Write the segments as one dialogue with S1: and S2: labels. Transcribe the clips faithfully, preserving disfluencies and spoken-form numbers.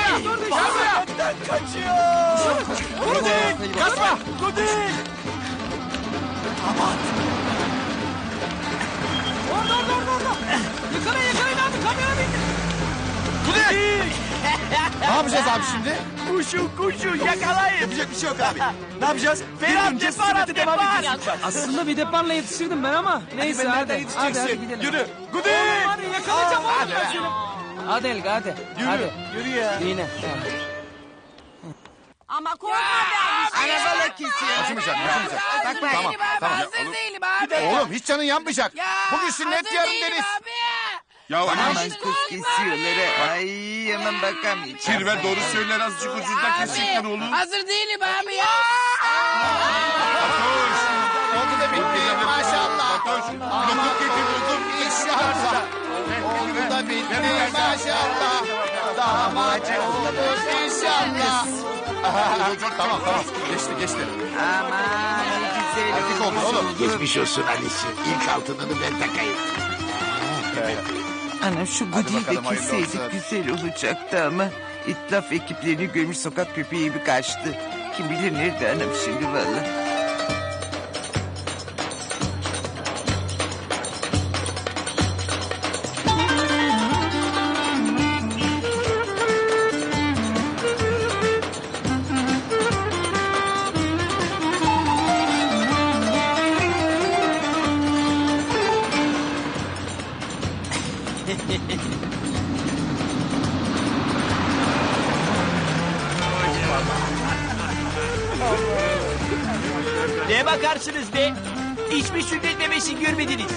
S1: buraya. Gel buraya.
S2: Benden kaçıyor.
S1: Gudik. Kaçma.
S2: Gudik. Aman.
S1: Orada orada orada orada. Yakalayın yakalayın abi kamyona bin. Gudik.
S3: Ne yapacağız abi şimdi?
S2: Kuşu kuşu yakalayın.
S3: Yapacak bir şey yok abi. Ne yapacağız?
S2: Ferhat
S3: Yürüyünce
S2: depar
S3: sünnete devam
S2: depar.
S3: edeceğiz.
S1: Aslında bir deparla yetiştirdim ben ama. Neyse
S3: Ben
S1: hadi.
S3: nereden
S1: Hadi,
S3: yetişeceksin?
S1: hadi gidelim.
S3: Yürü. Gudik.
S1: Oğlum hadi yakalayacağım oğlum ben seni. Hadi Elga hadi.
S3: Yürü.
S1: Hadi.
S3: Yürü ya.
S1: Yine.
S4: Ama korkma be abi.
S5: Arabalık kesiyor.
S3: Kaçmayacak, kaçmayacak.
S5: Bak bak.
S3: Tamam, tamam.
S5: Hazır değilim abi.
S3: Oğlum hiç canın yanmayacak.
S5: Ya,
S3: Bugün sünnet
S5: hazır
S3: yarın
S5: değilim
S3: deniz.
S5: abi.
S6: Ya
S5: Aman
S6: anam
S5: kız kesiyorlar. ha. Ay aman bakamayacağım.
S6: Kirve doğru söyler azıcık ucunda kesikler oğlum.
S5: Hazır değilim abi ya.
S6: Fatoş.
S3: Oldu da bitti maşallah.
S6: Fatoş. Lokum getir lokum.
S3: İnşallah. Oldu da bitti maşallah. Damat olur inşallah. Tamam tamam. Geçti geçti.
S5: Aman güzel
S3: Erkek oldu oğlum.
S7: Geçmiş olsun Ali'ciğim. İlk altınını ben takayım.
S5: Anam şu
S3: Hadi
S5: gudiyi de
S3: bakalım, hayırlı
S5: kesseydik
S3: olsun.
S5: güzel olacaktı ama... ...itlaf ekiplerini görmüş sokak köpeği gibi kaçtı. Kim bilir nerede anam şimdi vallahi.
S2: Neye bakarsınız be? Hiçbir sünnet memesi görmediniz.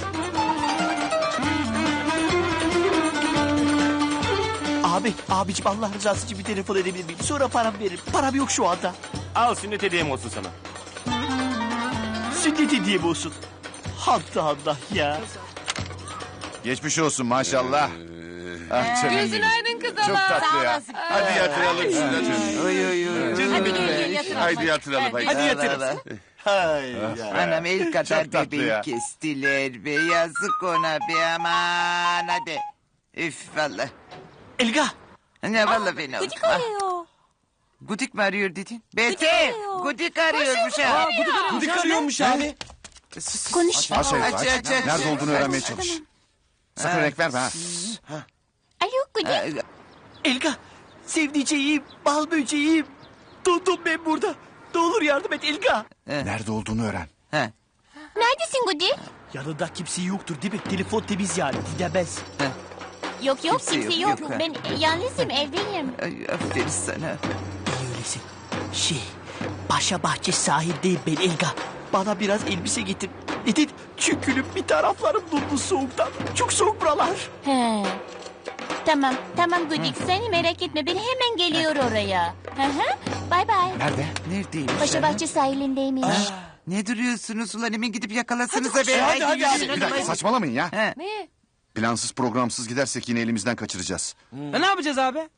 S2: Abi, abicim Allah rızası için bir telefon edebilir miyim? Sonra param veririm. Param yok şu anda.
S8: Al sünnet hediyem olsun sana.
S2: Sünnet hediyem olsun. Allah Allah ya.
S3: Geçmiş olsun maşallah. Ah canım
S4: Gözün
S3: benim.
S4: aydın kız
S3: Çok
S4: ama.
S3: tatlı ya.
S6: Hadi yatıralım şunu.
S5: Oy oy oy.
S4: Hadi gel gel yatır.
S6: Haydi yatıralım haydi.
S5: Hadi yatırın.
S2: Hay ya.
S5: Anam el kadar
S3: Çok tatlı
S5: bebeği
S3: ya.
S5: kestiler be. Yazık ona be aman hadi. Üf valla.
S2: Elga.
S5: Ne valla beni oldu.
S4: Gıcık arıyor.
S5: Gudik mi arıyor dedin? Bete.
S4: arıyor.
S5: Gudik arıyormuş ha.
S2: Gudik arıyormuş abi.
S5: Sus.
S4: Konuş.
S3: Aç
S5: Aç,
S3: aç.
S5: aç, aç.
S3: Nerede olduğunu öğrenmeye çalış. Sakın renk verme ha.
S4: Alo Gıcık.
S5: Ay,
S2: Elga. Sevdiceğim, bal böceğim. Dondum ben burada. Ne olur yardım et Elga.
S3: Nerede olduğunu öğren.
S5: ha.
S4: Neredesin Gıcık?
S2: Yanında kimse yoktur değil mi? Telefon temiz yani. Gidemez.
S4: Yok yok
S5: Kimse
S4: kimse
S5: yok,
S4: yok.
S5: yok, ha.
S4: Ben yalnızım evdeyim.
S5: Ay, aferin sana.
S2: İyi öylesin. Şey, Paşa Bahçe sahildeyim ben Elga. Bana biraz elbise getir. Neden? Çünkü bir taraflarım dondu soğuktan. Çok soğuk buralar.
S4: He. Tamam tamam Gıcık seni merak etme ben hemen geliyor oraya. Hı hı. Bay bay.
S3: Nerede?
S5: Neredeymiş
S4: Paşa
S5: anam?
S4: Bahçe sahilindeymiş.
S5: Ne duruyorsunuz ulan hemen gidip yakalasanıza be.
S2: hadi, hadi, hadi.
S3: Bir dakika saçmalamayın ya.
S5: Ha.
S4: Ne?
S3: Plansız programsız gidersek yine elimizden kaçıracağız.
S1: E, ne yapacağız abi?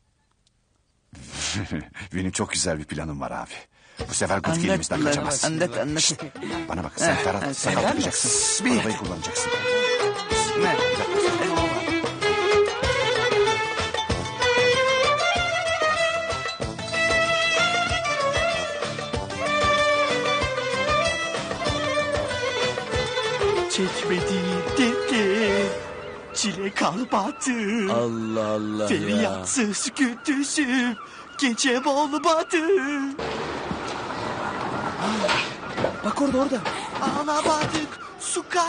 S3: Benim çok güzel bir planım var abi. Bu sefer Gudik
S5: Anlat
S3: elimizden
S5: ulan,
S3: kaçamaz.
S5: anlat anlat.
S3: Bana bak sen
S5: Ha, ha,
S3: Ferhat sakal
S5: Ferhat
S3: tutacaksın.
S5: Bir.
S3: Arabayı kullanacaksın.
S5: Ha.
S2: Çekmediğim dertte çile kalmadı.
S1: Allah Allah
S2: Feryatsız gündüzüm gecem olmadı.
S1: Bak orada orada.
S2: Ağlamadık sokak.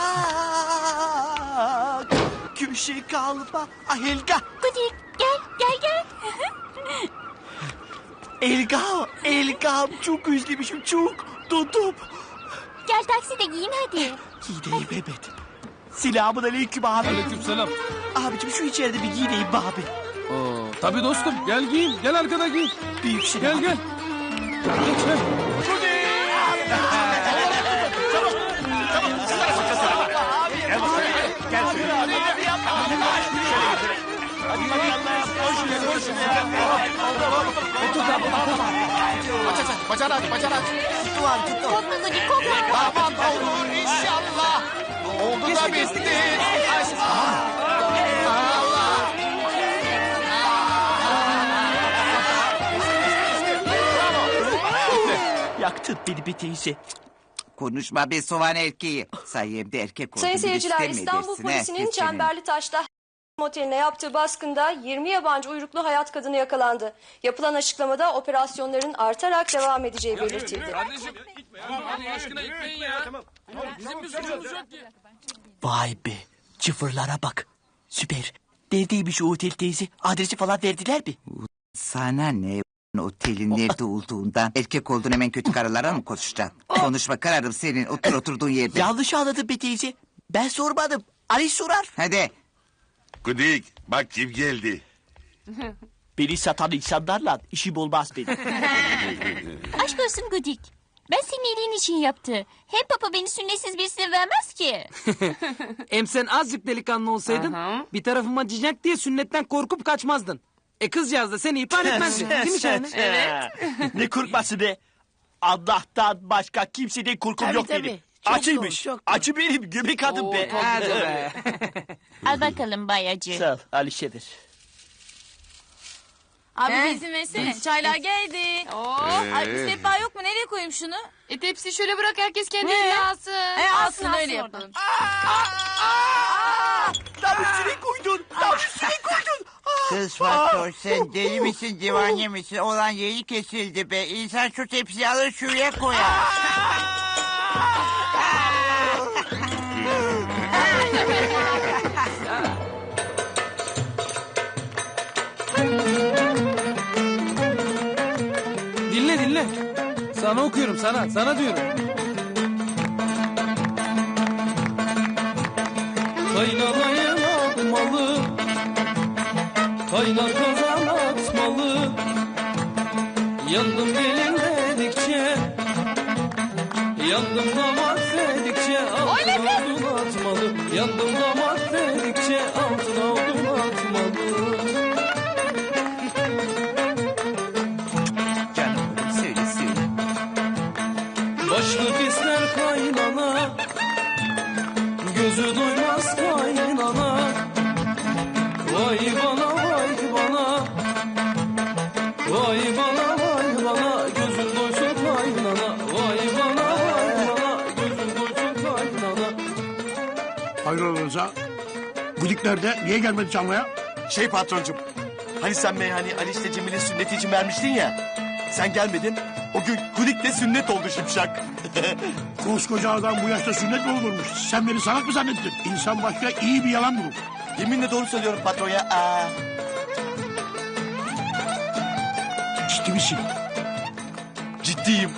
S2: Köşe kalma. Ah Elga.
S4: Gıcık gel gel gel.
S2: Elga. Elga. Çok özlemişim çok. Dondum.
S4: Gel takside giyin hadi.
S2: Giyineyim Mehmet. Selamun aleyküm abi.
S1: Aleykümselam.
S2: Abicim şu içeride bir giyineyim be abi.
S1: Oo, tabii dostum gel giyin. Gel arkada giyin.
S2: Büyük şey.
S1: Gel gel. Geç gel.
S3: Bacağını aç, bacağını aç.
S4: Korkma Gıcık korkma.
S3: Aman olur inşallah. Oldu da bitti. Allah.
S2: Tut beni bir teyze.
S5: Konuşma be soğan erkeği. Sayemde erkek olduğunu
S9: Sayın seyirciler,
S5: gösterme
S9: İstanbul
S5: edersin, ha,
S9: polisinin
S5: kesenin.
S9: Çemberli Taş'ta moteline yaptığı baskında yirmi yabancı uyruklu hayat kadını yakalandı. Yapılan açıklamada operasyonların artarak devam edeceği belirtildi.
S1: Kardeşim Allah aşkına gitmeyin ya. Bizim bir suçumuz yok ki.
S2: Vay be. Çıfırlara bak. Süper. Neredeymiş o otel teyze? Adresi falan verdiler mi?
S5: Sana ne otelin nerede olduğundan erkek olduğun hemen kötü karılara mı koşacaksın? Konuşma kararım senin otur oturduğun yerde.
S2: Yanlış anladın be teyze. Ben sormadım. Ali sorar.
S5: Hadi.
S6: Gudik bak kim geldi.
S2: Beni satan insanlarla işim olmaz benim.
S4: Aşk olsun Gudik. Ben senin iyiliğin için yaptı. Hem papa beni sünnetsiz birisine vermez ki.
S1: Hem sen azıcık delikanlı olsaydın bir tarafıma acıyacak diye sünnetten korkup kaçmazdın. E kızcağız da seni ihbar etmezdi. Değil mi Şahane?
S2: Evet. Ne korkması be? Allah'tan başka kimseden korkum yok benim. Acıymış. Acı benim göbek adım be.
S1: Hadi be.
S4: Al bakalım bayacı.
S2: Sağ ol Alişe'dir.
S10: Abi bir izin versene. Çaylar geldi. Oo. Ay bir sehpa yok mu? Nereye koyayım şunu?
S11: E tepsi şöyle bırak herkes kendi eline alsın.
S10: E alsın öyle yapalım.
S2: Tam üstüne koydun. Tam üstüne koydun.
S5: Kız Fatih sen deli misin divane misin? Olan yeri kesildi be. İnsan şu tepsiyi alır şuraya koyar.
S1: Dinle dinle. Sana okuyorum sana. Sana diyorum. Kaynanayı atmalı. Kaynar kazan atmalı. Yandım gelin dedikçe. Yandım damat dedikçe. Altına odun atmalı. Yandım damat dedikçe. Altına odun atmalı.
S5: Canım oğlum söyle söyle.
S1: Başlık ister kaynana. Gözü doymaz kaynana. Vay bana vay bana. Vay bana vay bana. Gözün doysun kaynana. Vay bana vay bana. Gözün doysun kaynana.
S7: Hayrola Rıza? Gudik nerede? Niye gelmedi çalmaya?
S8: Şey patroncum. Hani sen meyhane Ali işte Cemil'in sünneti için vermiştin ya. Sen gelmedin. O gün Gudik'le sünnet oldu Şipşak.
S7: Koskoca adam bu yaşta sünnet mi olurmuş? Sen beni salak mı zannettin? İnsan başka iyi bir yalan bulur.
S8: Yeminle doğru söylüyorum patron ya. Aa.
S7: Ciddi misin?
S8: Ciddiyim.